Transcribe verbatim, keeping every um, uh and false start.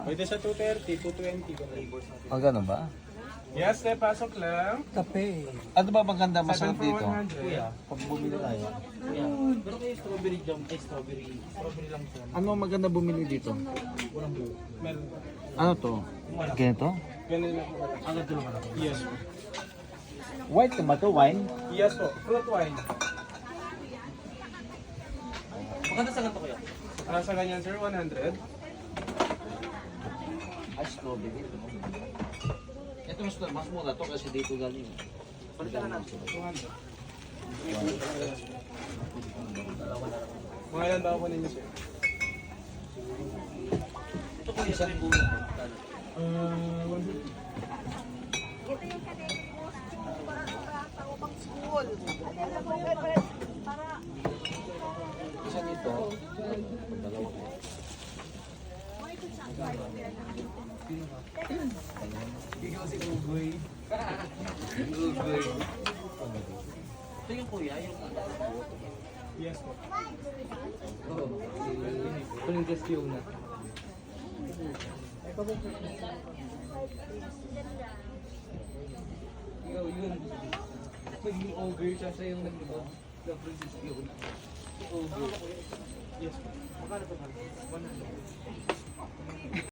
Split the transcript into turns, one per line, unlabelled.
Pwede sa two thirty, two twenty.
Ah, ganun ba?
Yes, te, pasok lang.
Kape.
Ano ba maganda
seven
masarap
for
dito?
one hundred.
Pag bumili tayo.
Pero kayo strawberry jam, ay strawberry. Strawberry lang siya.
Ano maganda bumili dito?
Meron.
Ano to? Ganito?
Ganun lang po.
Ang ganito naman ako.
Yes po.
White tomato wine?
Yes po. Fruit wine.
Maganda sa ganito kuya.
Ah, sa ganyan, sir, one hundred.
Ay, strawberry. Ito mas, mas mura to kasi dito galing.
two hundred. Mga ilan daw po ninyo, sir?
Ito kuya sa rin bulo.
Uh, one fifty.
Ito yung kanina costume para para upang school. Alam mo yun, para
Isa dito. Dalawa.
Ito yung kuya, yung
Yes po.
Kuling gas yung na. Ikaw yun. Maging ogre siya siya yung naglubo. The princess yun. Ogre.
Yes po.
Magkano pa? one hundred.